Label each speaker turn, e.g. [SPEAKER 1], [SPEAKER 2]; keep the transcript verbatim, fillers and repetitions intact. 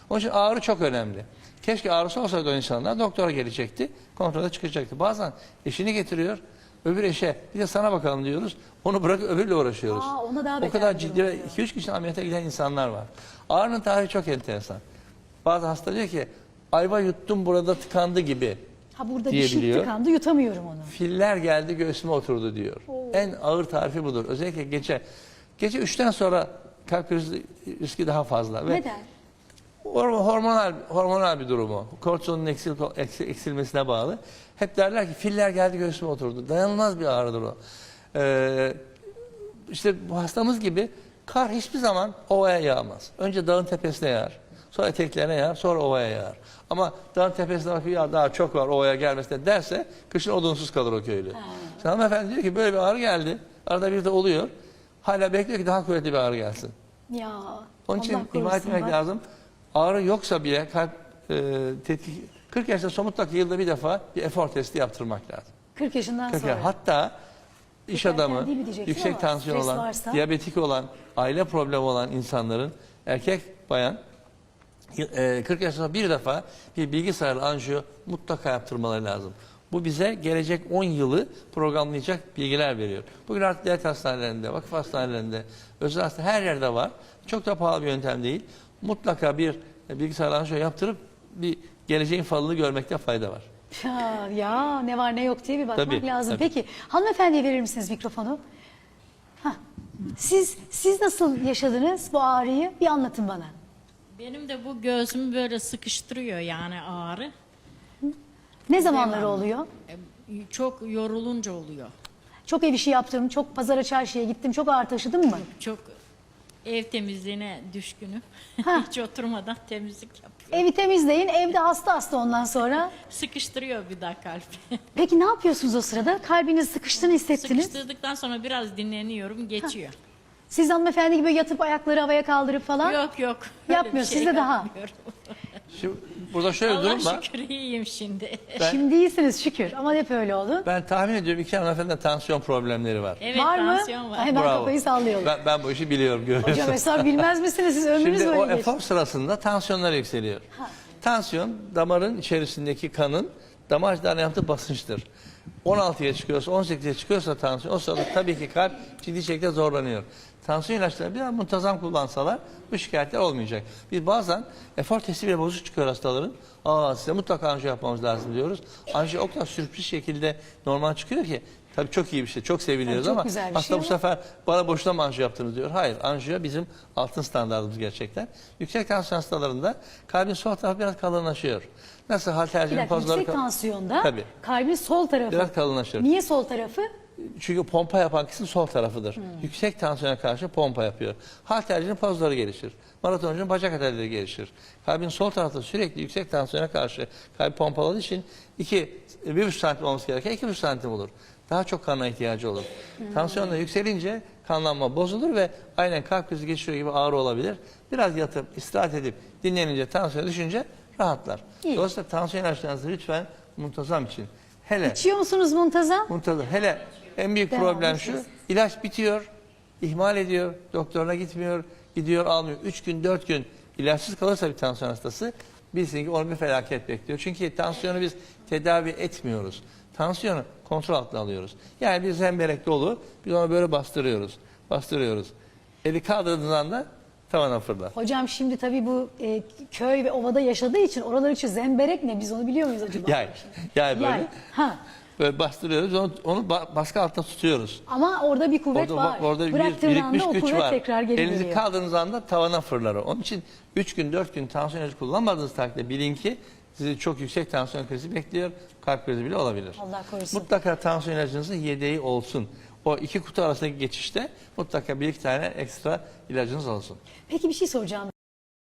[SPEAKER 1] Onun için ağrı çok önemli. Keşke ağrısı olsaydı o insanlar doktora gelecekti, kontrolde çıkacaktı. Bazen eşini getiriyor, öbür eşe bir de sana bakalım diyoruz. Onu bırakıp öbürle uğraşıyoruz.
[SPEAKER 2] Aa, ona daha
[SPEAKER 1] o
[SPEAKER 2] beter
[SPEAKER 1] kadar
[SPEAKER 2] bir
[SPEAKER 1] ciddi
[SPEAKER 2] durum
[SPEAKER 1] ve iki üç kişinin ameliyata giden insanlar var. Ağrının tarihi çok enteresan. Bazı hasta diyor ki ayva yuttum burada tıkandı gibi
[SPEAKER 2] Ha burada bir şey
[SPEAKER 1] diyebiliyor.
[SPEAKER 2] tıkandı, yutamıyorum onu.
[SPEAKER 1] Filler geldi göğsüme oturdu diyor.
[SPEAKER 2] Oo.
[SPEAKER 1] En ağır tarifi budur. Özellikle gece. Gece üçten sonra kalp krizi riski daha fazla. Ve
[SPEAKER 2] Neden?
[SPEAKER 1] hormonal hormonal bir durumu. Kortizonun eksil, eksil, eksilmesine bağlı. Hep derler ki filler geldi göğsüme oturdu. Dayanılmaz bir ağrıdır o. Ee, işte bu hastamız gibi kar hiçbir zaman ovaya yağmaz. Önce dağın tepesine yağar. Sonra eteklerine yağar. Sonra ovaya yağar. Ama dağın tepesine bakıyor ya daha çok var ovaya gelmesine derse kışın odunsuz kalır o köylü. Ha. Şimdi hanımefendi diyor ki böyle bir ağrı geldi. Arada bir de oluyor. Hala bekliyor ki daha kuvvetli bir ağrı gelsin.
[SPEAKER 2] Ya.
[SPEAKER 1] Onun için
[SPEAKER 2] Allah
[SPEAKER 1] ihmal
[SPEAKER 2] korusun
[SPEAKER 1] etmek
[SPEAKER 2] bak.
[SPEAKER 1] lazım. Ağrı yoksa bile kalp e, tetkik kırk yaşta son mutlaka yılda bir defa bir efor testi yaptırmak lazım.
[SPEAKER 2] kırk yaşından
[SPEAKER 1] kırk
[SPEAKER 2] sonra.
[SPEAKER 1] yaş. Hatta iş
[SPEAKER 2] Erken
[SPEAKER 1] adamı,
[SPEAKER 2] değil mi diyeceksin
[SPEAKER 1] yüksek
[SPEAKER 2] ama
[SPEAKER 1] tansiyon
[SPEAKER 2] stres
[SPEAKER 1] olan,
[SPEAKER 2] varsa-
[SPEAKER 1] diyabetik olan, aile problemi olan insanların erkek bayan e, kırk yaşında bir defa bir bilgisayarlı anjiyo mutlaka yaptırmaları lazım. Bu bize gelecek on yılı programlayacak bilgiler veriyor. Bugün artık devlet hastanelerinde, vakıf hastanelerinde, özel hastane her yerde var. Çok da pahalı bir yöntem değil. Mutlaka bir bilgisayarlı anjiyo yaptırıp bir geleceğin falını görmekte fayda var.
[SPEAKER 2] Ya, ya ne var ne yok diye bir bakmak
[SPEAKER 1] Tabii,
[SPEAKER 2] lazım.
[SPEAKER 1] tabii.
[SPEAKER 2] Peki hanımefendiye verir misiniz mikrofonu? Hah. Siz siz nasıl yaşadınız bu ağrıyı? Bir anlatın bana.
[SPEAKER 3] Benim de bu göğsümü böyle sıkıştırıyor yani ağrı.
[SPEAKER 2] Ne zamanları
[SPEAKER 3] Devamlı.
[SPEAKER 2] oluyor?
[SPEAKER 3] E, Çok yorulunca oluyor.
[SPEAKER 2] Çok ev işi yaptım, çok pazara çarşıya gittim, çok ağır taşıdım mı?
[SPEAKER 3] Çok ev temizliğine düşkünüm.
[SPEAKER 2] Ha.
[SPEAKER 3] Hiç oturmadan temizlik yapıyorum.
[SPEAKER 2] Evi temizleyin, evde hasta hasta ondan sonra.
[SPEAKER 3] Sıkıştırıyor bir daha kalbi.
[SPEAKER 2] Peki ne yapıyorsunuz o sırada? Kalbiniz sıkıştığını hissettiniz.
[SPEAKER 3] Sıkıştırdıktan sonra biraz dinleniyorum, geçiyor.
[SPEAKER 2] Siz hanımefendi gibi yatıp ayakları havaya kaldırıp falan.
[SPEAKER 3] Yok yok. öyle
[SPEAKER 2] Yapmıyor,
[SPEAKER 3] bir şey
[SPEAKER 2] sizde daha.
[SPEAKER 3] yapmıyorum.
[SPEAKER 1] Şimdi burada şöyle bir
[SPEAKER 3] Allah
[SPEAKER 1] durum var.
[SPEAKER 3] şükür iyiyim şimdi.
[SPEAKER 1] Ben-
[SPEAKER 2] Şimdi iyisiniz şükür ama hep öyle oldu.
[SPEAKER 1] Ben tahmin ediyorum iki hanımefendinin tansiyon problemleri var.
[SPEAKER 3] Evet,
[SPEAKER 2] Var mı?
[SPEAKER 3] tansiyon var.
[SPEAKER 2] Hemen
[SPEAKER 1] Bravo.
[SPEAKER 2] kafayı sallıyorlar.
[SPEAKER 1] Ben, ben bu işi biliyorum görüyorsun.
[SPEAKER 2] Hocam hesap bilmez misiniz siz ömrünüz
[SPEAKER 1] Şimdi o
[SPEAKER 2] böyle geçti.
[SPEAKER 1] efor sırasında tansiyonlar yükseliyor.
[SPEAKER 2] Ha.
[SPEAKER 1] Tansiyon damarın içerisindeki kanın damarcılarına yaptığı basınçtır. on altıya çıkıyorsa on sekize çıkıyorsa tansiyon o sırada tabii ki kalp ciddi şekilde zorlanıyor. Tansiyon ilaçlarını biraz muntazam kullansalar bu şikayetler olmayacak. Biz bazen efor testi bile bozuk çıkıyor hastaların. Aa size mutlaka anjiyo yapmamız lazım diyoruz. Anjiyo o kadar sürpriz şekilde normal çıkıyor ki tabii çok iyi bir şey, çok seviliyoruz
[SPEAKER 2] Tabii çok
[SPEAKER 1] ama
[SPEAKER 2] güzel bir
[SPEAKER 1] hasta
[SPEAKER 2] şey
[SPEAKER 1] bu
[SPEAKER 2] ama-
[SPEAKER 1] sefer bana boşuna mı anjiyo yaptınız diyor. Hayır, anjiyo bizim altın standartımız gerçekten. Yüksek tansiyon hastalarında kalbin sol tarafı biraz kalınlaşıyor. Nasıl
[SPEAKER 2] Bir
[SPEAKER 1] haltercinin
[SPEAKER 2] dakika,
[SPEAKER 1] pozları
[SPEAKER 2] yüksek
[SPEAKER 1] kal-
[SPEAKER 2] tansiyonda
[SPEAKER 1] Tabii.
[SPEAKER 2] kalbin sol tarafı.
[SPEAKER 1] Biraz kalınlaşır.
[SPEAKER 2] Niye sol tarafı?
[SPEAKER 1] Çünkü pompa yapan kısım sol tarafıdır. Yüksek tansiyona karşı pompa yapıyor. Haltercinin pozları gelişir. Maratoncunun bacak atelleri gelişir. Kalbin sol tarafta sürekli yüksek tansiyona karşı kalp pompaladığı için iki, bir buçuk santim olması gereken iki buçuk santim olur. Daha çok kana ihtiyacı olur. Tansiyon da yükselince kanlanma bozulur ve aynen kalp krizi geçiriyor gibi ağrı olabilir. Biraz yatıp istirahat edip dinlenince tansiyon düşünce rahatlar.
[SPEAKER 2] İyi.
[SPEAKER 1] Dolayısıyla tansiyon ilaçlarınızı lütfen muntazam için. Hele
[SPEAKER 2] İçiyor musunuz muntazam?
[SPEAKER 1] muntazam. Hele en büyük
[SPEAKER 2] Devamlı
[SPEAKER 1] problem şu.
[SPEAKER 2] içiyoruz.
[SPEAKER 1] İlaç bitiyor, ihmal ediyor, doktoruna gitmiyor, gidiyor almıyor. Üç gün, dört gün ilaçsız kalırsa bir tansiyon hastası bilsin ki onu bir felaket bekliyor. Çünkü tansiyonu biz tedavi etmiyoruz. Tansiyonu kontrol altına alıyoruz. Yani bir zemberek dolu, biz onu böyle bastırıyoruz, bastırıyoruz. Eli kaldırdığınız anda tavana fırlar.
[SPEAKER 2] Hocam şimdi tabii bu e, köy ve ovada yaşadığı için oralar için zemberek ne biz onu biliyor muyuz acaba?
[SPEAKER 1] Yay, yay böyle.
[SPEAKER 2] Yay. Ha.
[SPEAKER 1] Böyle bastırıyoruz, onu, onu ba- baskı altında tutuyoruz.
[SPEAKER 2] Ama orada bir kuvvet
[SPEAKER 1] Orada,
[SPEAKER 2] var.
[SPEAKER 1] orada bir
[SPEAKER 2] Bıraktığın
[SPEAKER 1] birikmiş
[SPEAKER 2] anda o
[SPEAKER 1] güç
[SPEAKER 2] kuvvet
[SPEAKER 1] var.
[SPEAKER 2] tekrar geri
[SPEAKER 1] Elinizi
[SPEAKER 2] geliyor.
[SPEAKER 1] kaldırdığınız anda tavana fırlar o. Onun için üç gün dört gün tansiyon ilacı kullanmadığınız takdirde bilin ki sizi çok yüksek tansiyon krizi bekliyor. Kalp krizi bile olabilir.
[SPEAKER 2] Allah korusun.
[SPEAKER 1] Mutlaka tansiyon ilacınızın yedeği olsun. O iki kutu arasındaki geçişte mutlaka bir iki tane ekstra ilacınız olsun.
[SPEAKER 2] Peki bir şey soracağım.